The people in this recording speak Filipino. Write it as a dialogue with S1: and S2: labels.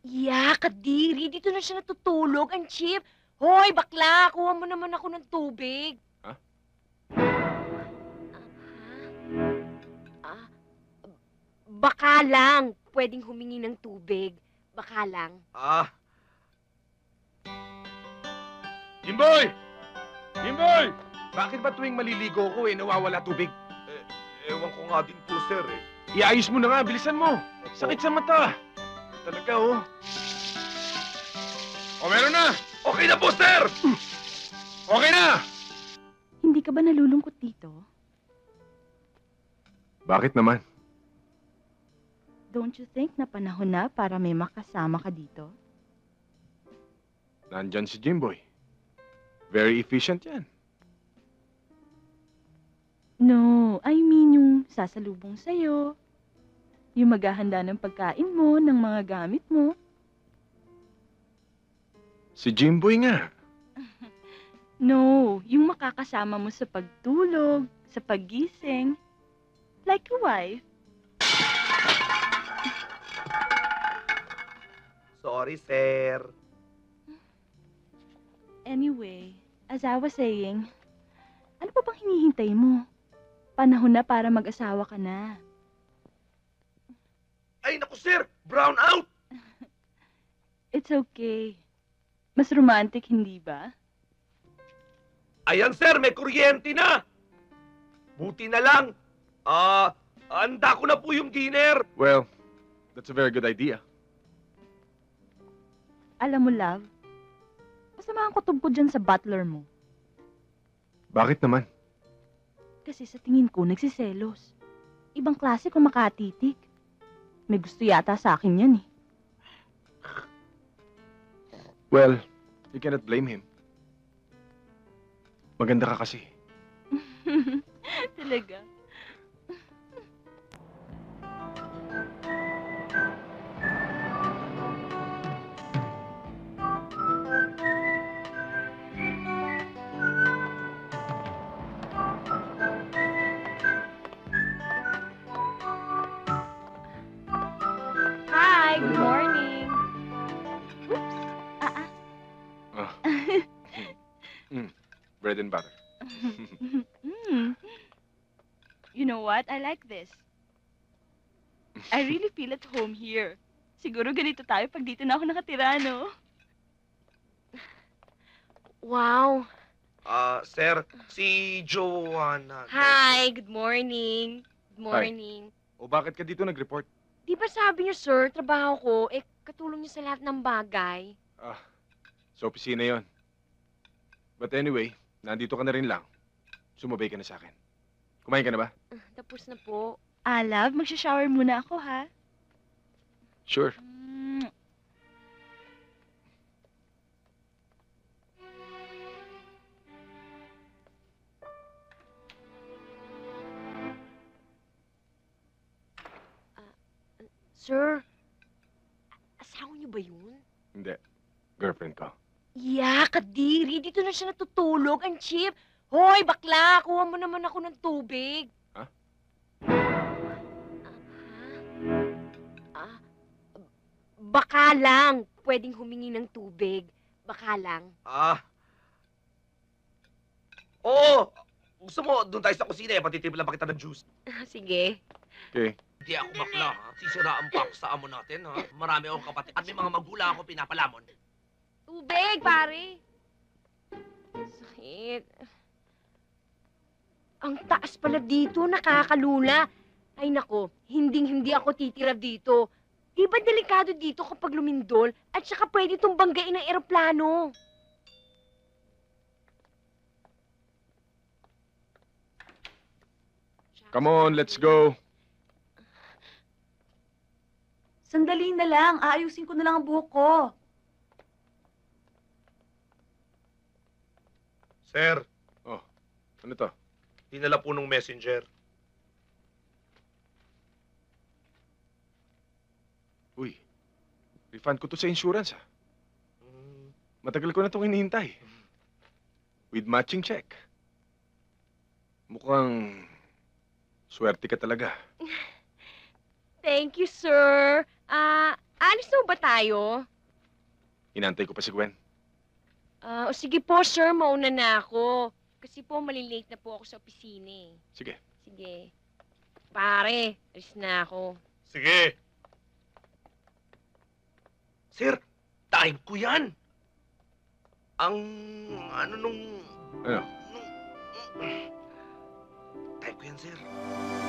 S1: Kadiri. Dito na siya natutulog. Ang cheap. Hoy, bakla! Kuha mo naman ako ng tubig.
S2: Ha?
S1: Ah, baka lang. Pwedeng humingi ng tubig. Baka lang.
S2: Jimboy! Jimboy! Bakit ba tuwing maliligo ko nawawala tubig?
S3: Ewan ko nga din po, sir, eh.
S2: Iayos mo na nga, bilisan mo. Sakit sa mata. Talaga, oh. O, meron na!
S3: Okay na po, sir!
S2: Okay na!
S4: Hindi ka ba nalulungkot dito?
S2: Bakit naman?
S4: Don't you think na panahon na para may makasama ka dito?
S2: Nandyan si Jimboy. Very efficient yan.
S4: No, I mean yung sasalubong sa'yo. Yung maghahanda ng pagkain mo, ng mga gamit mo.
S2: Si Jimboy nga.
S4: No, yung makakasama mo sa pagtulog, sa paggising. Like a wife.
S3: Sorry, sir.
S4: Anyway, as I was saying, ano pa bang hinihintay mo? Panahon na para mag-asawa ka na.
S3: Ay, naku, sir! Brown out!
S4: It's okay. Mas romantic, hindi ba?
S3: Ayan, sir, may kuryente na! Buti na lang. Handa ko na po yung dinner.
S2: Well, that's a very good idea.
S4: Alam mo, love, masama ang kutob ko dyan sa butler mo.
S2: Bakit naman?
S4: Kasi sa tingin ko, nagsiselos. Ibang klase kung makatitik. May gusto yata sa akin yan eh.
S2: Well, you cannot blame him. Maganda ka kasi.
S4: Talaga?
S1: Hi, good morning.
S4: Oops!
S2: Ah. Bread and butter.
S4: Mm. You know what? I like this. I really feel at home here. Siguro ganito tayo pag dito na ako nakatira, no?
S1: Wow.
S3: Sir, si Joanna.
S1: Hi, good morning. Good morning.
S2: O bakit ka dito nag-report?
S1: Di ba sabi niyo, sir, trabaho ko, katulong niyo sa lahat ng bagay.
S2: Sa opisina yon. But anyway, nandito ka na rin lang. Sumabay ka na sa akin. Kumain ka na ba?
S1: Tapos na po.
S4: Love, magsha-shower muna ako, ha?
S2: Sure.
S4: Mm.
S1: Sir, asawa niyo ba yun?
S2: Hindi. Girlfriend ko.
S1: Kadiri. Dito na siya natutulog. Ang cheap. Hoy, bakla! Kuha mo naman ako ng tubig.
S2: Ha?
S1: Baka lang. Pwedeng humingi ng tubig. Baka lang.
S3: Oo! Gusto mo, doon tayo sa kusina, patitimpla pa kita ng juice.
S1: Sige.
S2: Okay.
S3: Hindi ako bakla, ha? Sisira ang paksa mo natin, ha? Marami akong kapatid. At may mga magulang ako pinapalamon.
S1: Tubig, pare. Sakit. Ang taas pala dito, nakakalula. Ay nako, hindi ako titira dito. Di ba delikado dito kapag lumindol at saka pwede itong banggain ng eroplano?
S2: Come on, let's go.
S4: Sandali na lang. Aayusin ko na lang ang buhok ko.
S3: Sir,
S2: Ano to?
S3: dinala po nung messenger.
S2: Uy, refund ko to sa insurance, ha?
S3: Mm,
S2: Matagal ko na itong hinihintay. With matching check. Mukhang swerte ka talaga.
S1: Thank you, sir. Alis na ba tayo?
S2: Inantay ko pa si Gwen.
S1: O sige po, sir, mauna na ako. Kasi po, malilate na po ako sa opisina eh.
S2: Sige.
S1: Sige. Pare, alis na ako.
S3: Sige. Sir, time ko yan. Ang
S2: Ano?
S3: Time ko yan, sir.